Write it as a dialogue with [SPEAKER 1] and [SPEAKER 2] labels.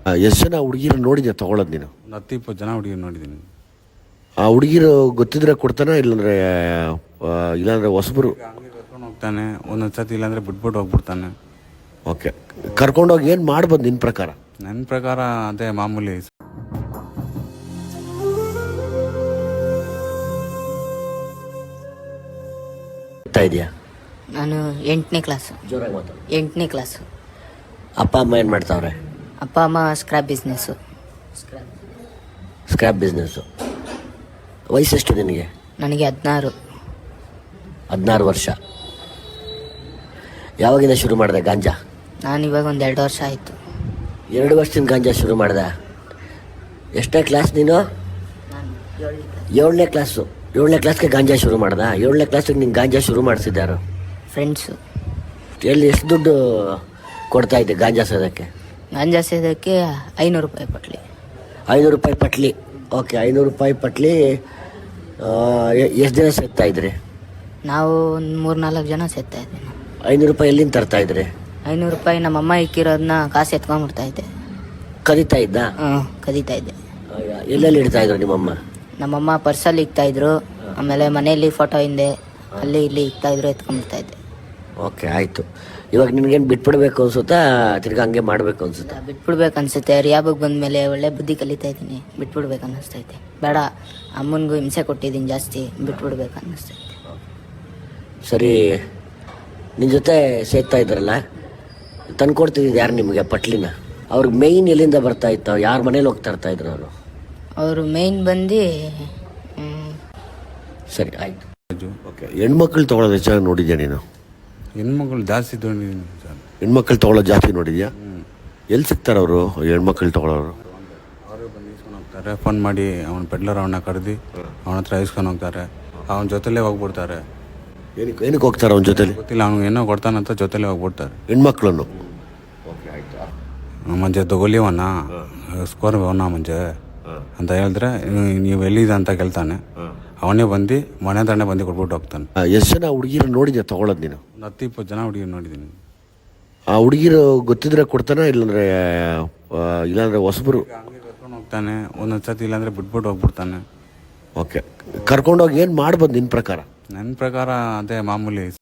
[SPEAKER 1] ಎಷ್ಟು ಜನ ಹುಡುಗಿರು ನೋಡಿದ್ಯಾ ತಗೊಳ್ಳೋದು ನೀನು?
[SPEAKER 2] ಒಂದು 10-20 ಜನ ಹುಡುಗಿ ನೋಡಿದ್ದೀನಿ.
[SPEAKER 1] ಆ ಹುಡುಗಿರು ಗೊತ್ತಿದ್ರೆ ಕೊಡ್ತಾನ, ಇಲ್ಲಾಂದ್ರೆ ಹೊಸಬರು?
[SPEAKER 2] ಹಂಗೆ ಕರ್ಕೊಂಡು ಹೋಗ್ತಾನೆ, ಒಂದೊಂದು ಸತಿ ಇಲ್ಲಾಂದರೆ ಬಿಟ್ಬಿಟ್ಟು ಹೋಗ್ಬಿಡ್ತಾನೆ.
[SPEAKER 1] ಓಕೆ, ಕರ್ಕೊಂಡೋಗಿ ಏನು ಮಾಡ್ಬೋದು ನಿನ್ನ ಪ್ರಕಾರ?
[SPEAKER 2] ನನ್ನ ಪ್ರಕಾರ ಅದೇ ಮಾಮೂಲಿ.
[SPEAKER 1] ಇದೆಯಾ?
[SPEAKER 3] ನಾನು 8ನೇ ಕ್ಲಾಸು.
[SPEAKER 1] ಜೋರಾಗಿ ಮಾತಾಡು.
[SPEAKER 3] 8ನೇ ಕ್ಲಾಸು.
[SPEAKER 1] ಅಪ್ಪ ಅಮ್ಮ ಏನು ಮಾಡ್ತಾವ್ರೆ?
[SPEAKER 3] ಅಪ್ಪ ಅಮ್ಮ ಸ್ಕ್ರಾಪ್ ಬಿಸ್ನೆಸ್ಸು.
[SPEAKER 1] Scrap business. ವಯಸ್ಸೆಷ್ಟು ನಿನಗೆ?
[SPEAKER 3] ನನಗೆ 16.
[SPEAKER 1] 16 ವರ್ಷ. ಯಾವಾಗಿಂದ ಶುರು ಮಾಡಿದೆ ಗಾಂಜಾ?
[SPEAKER 3] ನಾನು ಇವಾಗ ಒಂದು 2 ವರ್ಷ ಆಯಿತು.
[SPEAKER 1] 2 ವರ್ಷದಿಂದ ಗಾಂಜಾ ಶುರು ಮಾಡಿದೆ. ಎಷ್ಟನೇ ಕ್ಲಾಸ್ ನೀನು? 7ನೇ ಕ್ಲಾಸು. 7ನೇ ಕ್ಲಾಸ್ಗೆ ಗಾಂಜಾ ಶುರು ಮಾಡ್ದ? 7ನೇ ಕ್ಲಾಸಿಗೆ ನೀನು ಗಾಂಜಾ ಶುರು ಮಾಡಿಸಿದ್ದಾರು?
[SPEAKER 3] ಫ್ರೆಂಡ್ಸು.
[SPEAKER 1] ಎಲ್ಲಿ ಎಷ್ಟು ದುಡ್ಡು ಕೊಡ್ತಾ ಇದ್ದೆ ಗಾಂಜಾ ಸೇದಕ್ಕೆ?
[SPEAKER 3] ಗಾಂಜಾ ಸೇದಕ್ಕೆ 500 ರೂಪಾಯಿ ಪಟ್ಲಿ.
[SPEAKER 1] 500 ರೂಪಾಯಿ ಪಟ್ಲಿ. ಓಕೆ, 500 ರೂಪಾಯಿ ಪಟ್ಲಿ. ಎಷ್ಟು ದಿನ ಸೇರ್ತಾ ಇದ್ರಿ?
[SPEAKER 3] ನಾವು ಒಂದು 3-4 ಜನ ಸೇರ್ತಾ ಇದ್ದೆ.
[SPEAKER 1] 500 ರೂಪಾಯಿ ಎಲ್ಲಿಂದ ತರ್ತಾ ಇದ್ರಿ?
[SPEAKER 3] 500 ರೂಪಾಯಿ ನಮ್ಮಮ್ಮ ಇಕ್ಕಿರೋದನ್ನ ಕಾಸು ಎತ್ಕೊಂಡ್ಬಿಡ್ತಾ ಇದ್ದೆ.
[SPEAKER 1] ಕದೀತಾ ಇದ್ದ?
[SPEAKER 3] ಕದೀತಾ ಇದ್ದೆ.
[SPEAKER 1] ಎಲ್ಲೆಲ್ಲಿ ಇಡ್ತಾ ಇದ್ರು ನಿಮ್ಮಮ್ಮ?
[SPEAKER 3] ನಮ್ಮಮ್ಮ ಪರ್ಸಲ್ಲಿ ಇಕ್ತಾಯಿದ್ರು, ಆಮೇಲೆ ಮನೆಯಲ್ಲಿ ಫೋಟೋ ಹಿಂದೆ ಅಲ್ಲಿ ಇಲ್ಲಿ ಇಕ್ತಾಯಿದ್ರು, ಎತ್ಕೊಂಡ್ಬಿಡ್ತಾ ಇದ್ದೆ.
[SPEAKER 1] ಓಕೆ, ಆಯಿತು. ಇವಾಗ ನಿನಗೇನು ಬಿಟ್ಬಿಡ್ಬೇಕು ಅನ್ಸುತ್ತಾ, ತಿರ್ಗಿ ಹಂಗೆ ಮಾಡಬೇಕು ಅನ್ಸುತ್ತಾ?
[SPEAKER 3] ಬಿಟ್ಬಿಡ್ಬೇಕು ಅನ್ಸುತ್ತೆ. ರಿಯಾಬಗೆ ಬಂದಮೇಲೆ ಒಳ್ಳೆ ಬುದ್ಧಿ ಕಲಿತಾ ಇದ್ದೀನಿ. ಬಿಟ್ಬಿಡ್ಬೇಕು ಅನ್ನಿಸ್ತೈತೆ. ಬೇಡ, ಅಮ್ಮನಿಗೂ ಹಿಂಸೆ ಕೊಟ್ಟಿದ್ದೀನಿ ಜಾಸ್ತಿ, ಬಿಟ್ಬಿಡ್ಬೇಕು ಅನ್ನಿಸ್ತೈತೆ.
[SPEAKER 1] ಸರಿ, ನಿನ್ನ ಜೊತೆ ಸೇರ್ತಾ ಇದ್ರಲ್ಲ, ತಂದ್ಕೊಡ್ತಿದ್ದು ಯಾರು ನಿಮಗೆ ಪಟ್ಲಿನ? ಅವ್ರಿಗೆ ಮೇಯ್ನ್ ಎಲ್ಲಿಂದ ಬರ್ತಾ ಇತ್ತು? ಯಾರ ಮನೇಲಿ ಹೋಗ್ತಾ ಇರ್ತಾ ಇದ್ರು ಅವರು?
[SPEAKER 3] ಅವರು ಮೇಯ್ನ್ ಬಂದು
[SPEAKER 1] ಸರಿ, ಆಯಿತು. ಓಕೆ, ಹೆಣ್ಮಕ್ಳು ತೊಗೊಳೋದು ಹೆಚ್ಚಾಗಿ ನೋಡಿದ್ಯಾ ನೀನು?
[SPEAKER 2] ಹೆಣ್ಮಕ್ಳು ಜಾಸ್ತಿ ತೊಗೊಂಡಿದ್ದೀನಿ ಸರ್.
[SPEAKER 1] ಹೆಣ್ಮಕ್ಳು ತೊಗೊಳೋದು ಜಾಸ್ತಿ ನೋಡಿದ್ಯಾ? ಎಲ್ಲಿ ಸಿಗ್ತಾರೆ ಅವರು ಹೆಣ್ಮಕ್ಳು ತೊಗೊಳೋರು?
[SPEAKER 2] ಅವರು ಬಂದು ಇಸ್ಕೊಂಡು ಹೋಗ್ತಾರೆ. ಫೋನ್ ಮಾಡಿ ಅವನ ಪೆಡ್ಲರ್ ಅವನ್ನ ಕರೆದು ಅವನ ಹತ್ರ ಇಸ್ಕೊಂಡು ಹೋಗ್ತಾರೆ. ಅವನ ಜೊತೆಲೇ ಹೋಗ್ಬಿಡ್ತಾರೆ.
[SPEAKER 1] ಏನಕ್ಕೆ ಹೋಗ್ತಾರೆ ಅವನ ಜೊತೆಲಿ?
[SPEAKER 2] ಗೊತ್ತಿಲ್ಲ, ಅವ್ನಿಗೆ ಏನೋ ಕೊಡ್ತಾನಂತ ಜೊತೆಲೇ ಹೋಗ್ಬಿಡ್ತಾರೆ
[SPEAKER 1] ಹೆಣ್ಮಕ್ಳನ್ನು.
[SPEAKER 2] ಮಂಜೆ ತಗೊಲಿವಣ್ಣ, ಸ್ಕೋರ್ ಅವನ ಮಂಜೆ ಅಂತ ಹೇಳಿದ್ರೆ, ನೀವು ಎಲ್ಲಿದೆ ಅಂತ ಕೇಳ್ತಾನೆ. ಅವನೇ ಬಂದು ಮನೆ ತಾನೆ ಬಂದು ಕೊಟ್ಬಿಟ್ಟು ಹೋಗ್ತಾನೆ.
[SPEAKER 1] ಎಷ್ಟು ಜನ ಹುಡುಗಿರು ನೋಡಿದ್ಯಾ ತಗೊಳ್ಳೋದು ನೀನು?
[SPEAKER 2] ಒಂದು 10-20 ಜನ ಹುಡುಗಿ ನೋಡಿದ್ದೀನಿ.
[SPEAKER 1] ಆ ಹುಡುಗಿರು ಗೊತ್ತಿದ್ರೆ ಕೊಡ್ತಾನ, ಇಲ್ಲಾಂದ್ರೆ ಹೊಸಬರು?
[SPEAKER 2] ಹಂಗೆ ಕರ್ಕೊಂಡು ಹೋಗ್ತಾನೆ, ಒಂದೊಂದು ಸತಿ ಇಲ್ಲಾಂದರೆ ಬಿಟ್ಬಿಟ್ಟು ಹೋಗ್ಬಿಡ್ತಾನೆ.
[SPEAKER 1] ಓಕೆ, ಕರ್ಕೊಂಡೋಗಿ ಏನು ಮಾಡ್ಬೋದು ನಿನ್ನ ಪ್ರಕಾರ?
[SPEAKER 2] ನನ್ನ ಪ್ರಕಾರ ಅದೇ ಮಾಮೂಲಿ.